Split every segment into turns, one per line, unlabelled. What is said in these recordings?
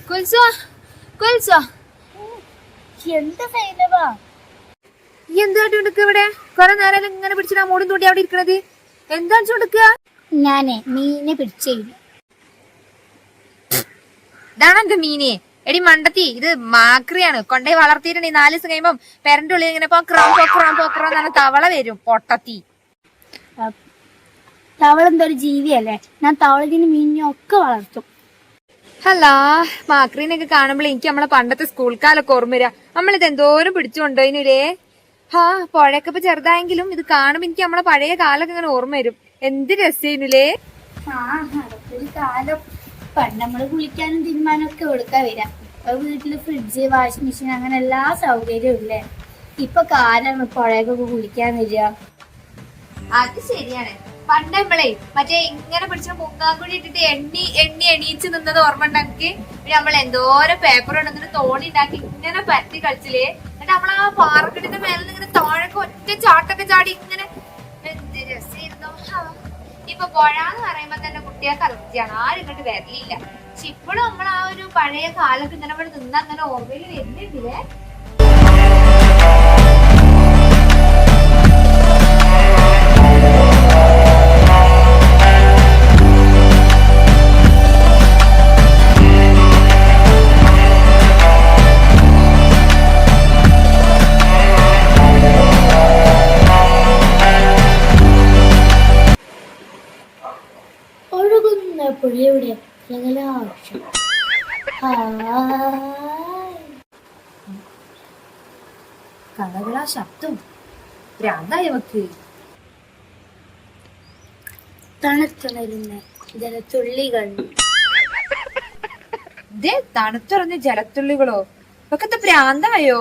കുൽസോ കുൽസോ
എന്താ സൈനവാ
എന്തായിട്ട് എടുക്ക ഇവിടെ കൊറേ നേരം ഇങ്ങനെ പിടിച്ചിട്ട് മൂടും തൂട്ടി അവിടെ ഇരിക്കണത് എന്താ എടുക്കുക?
ഞാനേ മീനെ പിടിച്ചേ.
ഇതാണ് എന്റെ മീനെ. എടി മണ്ടത്തി, ഇത് മാക്രിയാണ്. കൊണ്ടേ വളർത്തിയിട്ടുണ്ടെങ്കിൽ 4 ദിവസം കഴിയുമ്പം പെരന്റെ ഉള്ളിൽ ഇങ്ങനെ പോക്രാന്ന് തവള വരും. പൊട്ടത്തി
തവള എന്തൊരു ജീവിയല്ലേ. ഞാൻ തവളത്തിന് മീനിനെ ഒക്കെ വളർത്തും.
ഹലാ, മാക്രീനൊക്കെ കാണുമ്പോൾ എനിക്ക് നമ്മളെ പണ്ടത്തെ സ്കൂൾ കാലൊക്കെ ഓർമ്മ വരാ. നമ്മളിത് എന്തോരം പിടിച്ചുകൊണ്ടോയിനുലേ. പുഴയൊക്കെ ഇപ്പൊ ചെറുതായെങ്കിലും ഇത് കാണുമ്പോ എനിക്ക് നമ്മളെ പഴയ കാലൊക്കെ ഇങ്ങനെ ഓർമ്മ വരും. എന്ത് രസേനുലേ.
അതൊരു കാലം. പണ്ട് നമ്മള് കുളിക്കാനും തിരുമാനും ഒക്കെ കൊടുക്കാ വരാം. ഇപ്പൊ വീട്ടില് ഫ്രിഡ്ജ്, വാഷിംഗ് മെഷീൻ അങ്ങനെ എല്ലാ സൗകര്യവും ഇല്ലേ. ഇപ്പൊ കാലാണ് പുഴയൊക്കെ കുളിക്കാൻ വരിക.
അത് ശരിയാണ്. പണ്ട് നമ്മളെ മറ്റേ ഇങ്ങനെ പിടിച്ച മുങ്ങാങ്കുഴി ഇട്ടിട്ട് എണീച്ച് നിന്നത് ഓർമ്മ ഉണ്ടാക്കി. പിന്നെ നമ്മൾ എന്തോരം പേപ്പർ ഉണ്ടെന്നിട്ട് തോണി ഉണ്ടാക്കി ഇങ്ങനെ പരത്തി കളിച്ചില്ലേ. എന്നിട്ട് നമ്മൾ ആ പാറക്കെട്ടിന്റെ മേലെ ഇങ്ങനെ താഴൊക്കെ ഒറ്റ ചാട്ടൊക്കെ ചാടി ഇങ്ങനെ എന്ത് രസമായിരുന്നു. ഇപ്പൊ പുഴന്ന് പറയുമ്പോ തന്നെ കുട്ടികൾക്ക് അലർജിയാണ്. ആരും ഇങ്ങോട്ട് വരലില്ല. പക്ഷെ ഇപ്പോഴും നമ്മൾ ആ ഒരു പഴയ കാലത്ത് ഇങ്ങനെ ഇവിടെ നിന്ന് അങ്ങനെ ഓർമ്മയിൽ വരുന്നുണ്ടില്ലേ.
പുഴയുടെ ജലാശം.
കളകളാ ശബ്ദം ഭ്രാന്തായവക്ക്.
തണുത്തുണരുന്ന ജലത്തുള്ളികൾ.
ഇതേ തണുത്തുറഞ്ഞ ജലത്തുള്ളികളോ? ഒക്കെ ഭ്രാന്തായോ?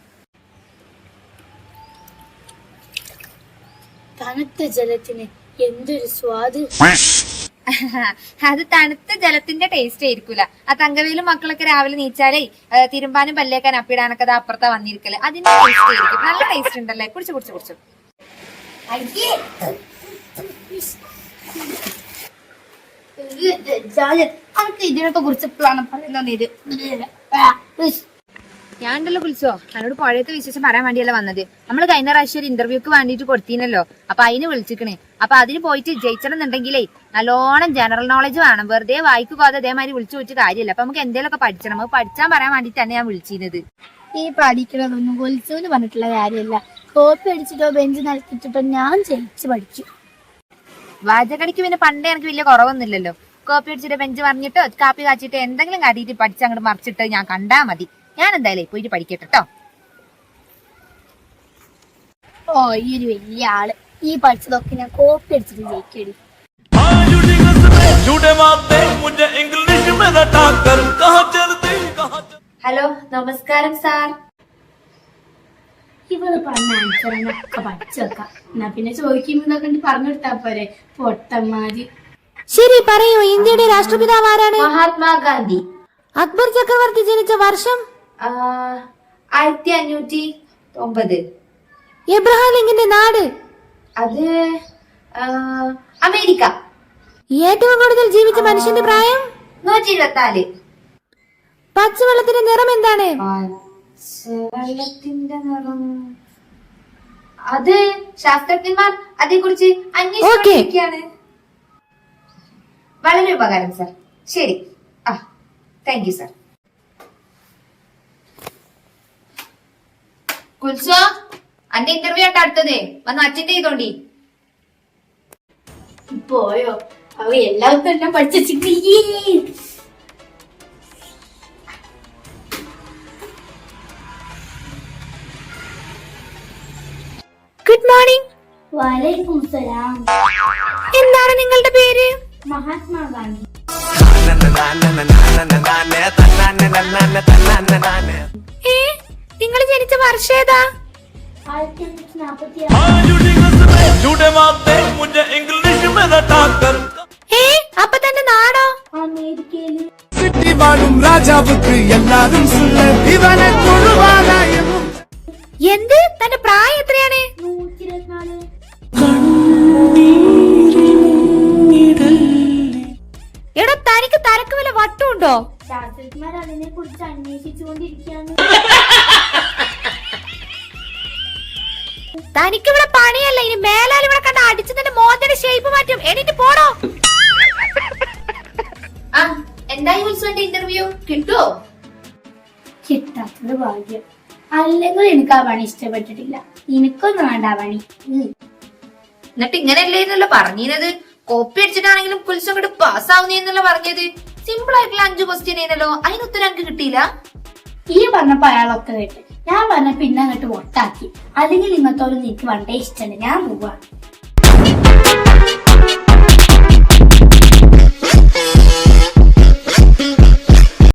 തണുത്ത ജലത്തിന് എന്തൊരു സ്വാദ്.
അത് തണുത്ത ജലത്തിന്റെ ടേസ്റ്റ് ആയിരിക്കൂല. ആ തങ്കവേലും മക്കളൊക്കെ രാവിലെ നീച്ചാലേ തിരുമ്പാനും പല്ലേക്കാൻ അപ്പിടാനൊക്കെ അപ്പുറത്താ വന്നിരിക്കല്. അതിന്റെ ടേസ്റ്റ് ആയിരിക്കും. നല്ല ടേസ്റ്റ് ഉണ്ടല്ലേ. കുടിച്ചു
ഇതിനൊക്കെ കുറിച്ച് പറയുന്നത്.
ഞാൻ ഉണ്ടല്ലോ കുളിച്ചോ, എന്നോട് പുഴയത്തെ വിശേഷം പറയാൻ വേണ്ടിയല്ല വന്നത്. നമ്മള് കഴിഞ്ഞ പ്രാവശ്യം ഒരു ഇന്റർവ്യൂക്ക് വേണ്ടിട്ട് കൊടുത്തീനല്ലോ. അപ്പൊ അതിന് വിളിച്ചിക്കണേ. അപ്പൊ അതിന് പോയിട്ട് ജയിച്ചണമെന്നുണ്ടെങ്കിലേ നല്ലോണം ജനറൽ നോളജ് വേണം. വെറുതെ വായിക്കുപോകാതെ അതേമാതിരി വിളിച്ചു വെച്ച് കാര്യമില്ല. അപ്പൊ നമുക്ക് എന്തെങ്കിലുമൊക്കെ പഠിച്ചണം. നമുക്ക് പഠിച്ചാൻ പറയാൻ വേണ്ടിട്ടാണ് ഞാൻ വിളിച്ചിരുന്നത്.
ഈ പഠിക്കണതൊന്നും കൊലിച്ചൂന്ന് പറഞ്ഞിട്ടുള്ള കാര്യമല്ല. കോപ്പി അടിച്ചിട്ടോ ബെഞ്ച് നടത്തിയിട്ടോ ഞാൻ ജയിച്ച് പഠിച്ചു.
വാചകടിക്ക് പിന്നെ പണ്ടേ എനിക്ക് വലിയ കുറവൊന്നുമില്ലല്ലോ. കോപ്പി അടിച്ചിട്ട് ബെഞ്ച് പറഞ്ഞിട്ടോ കാപ്പി കാച്ചിട്ടോ എന്തെങ്കിലും കാട്ടിയിട്ട് പഠിച്ച് അങ്ങോട്ട് മറിച്ചിട്ട് ഞാൻ കണ്ടാ മതി. ഞാൻ എന്തായാലും പോയിട്ട് പഠിക്കട്ടെ കേട്ടോ.
ഈ ഒരു വലിയ ആള്. ഈ പഠിച്ചതൊക്കെ ഞാൻ കോപ്പി അടിച്ചിട്ട് ജയിക്കടി.
ഹലോ, നമസ്കാരം സാർ.
ഇവള് പറഞ്ഞ ആൻസറിനൊക്കെ പഠിച്ചു വെക്കാം. എന്നാ പിന്നെ ചോദിക്കുമ്പോഴൊക്കെ പറഞ്ഞു കൊടുത്താ പോരെ. പൊട്ടന്മാര്.
ശരി, പറയൂ. ഇന്ത്യയുടെ രാഷ്ട്രപിതാവ് ആരാണ്?
മഹാത്മാഗാന്ധി.
അക്ബർ ചക്രവർത്തി ജനിച്ച വർഷം?
1509.
എബ്രഹാം ലിങ്കന്റെ നാട്?
അത് അമേരിക്ക.
ഏറ്റവും കൂടുതൽ ജീവിച്ച മനുഷ്യന്റെ പ്രായം?
124.
പച്ചവെള്ളത്തിന്റെ നിറം എന്താണ്?
വെള്ളത്തിന്റെ നിറം അത് ശാസ്ത്രജ്ഞന്മാർ അതേക്കുറിച്ച് അന്വേഷിക്കുകയാണ്. വളരെ ഉപകാരം സാർ. ശരി. Thank you sir. കുൽസോ, അന്റെ ഇന്റർവ്യൂ ആയിട്ട് അടുത്തത് വന്ന് അറ്റൻഡ് ചെയ്തോണ്ടി.
പോയോ? അവ എല്ലാവർക്കും എല്ലാം പഠിച്ചു.
Good morning.
വലൈക്കും സലാം.
എന്താണ് നിങ്ങളുടെ പേര്?
മഹാത്മാഗാന്ധി.
നിങ്ങൾ ജനിച്ച വർഷം ഏതാ?
1946.
അപ്പൊ തന്റെ നാടോ?
അമേരിക്കയില്.
എന്ത്? തന്റെ പ്രായം എത്രയാണ്?
124.
എടാ, തനിക്ക് തലക്ക് വല്ല വട്ടുണ്ടോ?
ശാസ്ത്രജ്ഞന്മാർ അതിനെ കുറിച്ച് അന്വേഷിച്ചുകൊണ്ടിരിക്കുകയാണ്.
തനിക്കിവിടെ പണിയല്ല, ഇനി മേലാൽ ഇവിടെ കണ്ട അടിച്ചു തന്നെ മോന്തയുടെ ഷേപ്പ് മാറ്റും. എണീറ്റ് പോടോ.
ആ എന്തായി ഉത്സവന്റെ ഇന്റർവ്യൂ കിട്ടുവോ?
കിട്ടാത്തത് ഭാഗ്യം. അല്ലെങ്കിൽ എനിക്ക് ആ പണി ഇഷ്ടപ്പെട്ടിട്ടില്ല. എനിക്കൊന്നും വേണ്ട ആ പണി.
എന്നിട്ട് ഇങ്ങനെയല്ലേന്നല്ലോ പറഞ്ഞത്. കോപ്പി അടിച്ചിട്ടാണെങ്കിലും കുൽസം അങ്ങോട്ട് പാസ്സാവുന്നേന്നല്ലോ പറഞ്ഞത്. സിമ്പിൾ ആയിട്ടുള്ള 5 ക്വസ്റ്റ്യൻ ആയിരുന്നല്ലോ, അതിന് ഉത്തരം അങ്ങ് കിട്ടിയില്ല.
ഈ പറഞ്ഞപ്പോ അയാളൊക്കെ കേട്ട്, ഞാൻ പറഞ്ഞ പിന്നെ അങ്ങോട്ട് വോട്ടാക്കി. അല്ലെങ്കിൽ ഇങ്ങനത്തോട് എനിക്ക് വണ്ടേ ഇഷ്ടമല്ല, ഞാൻ പോവാ.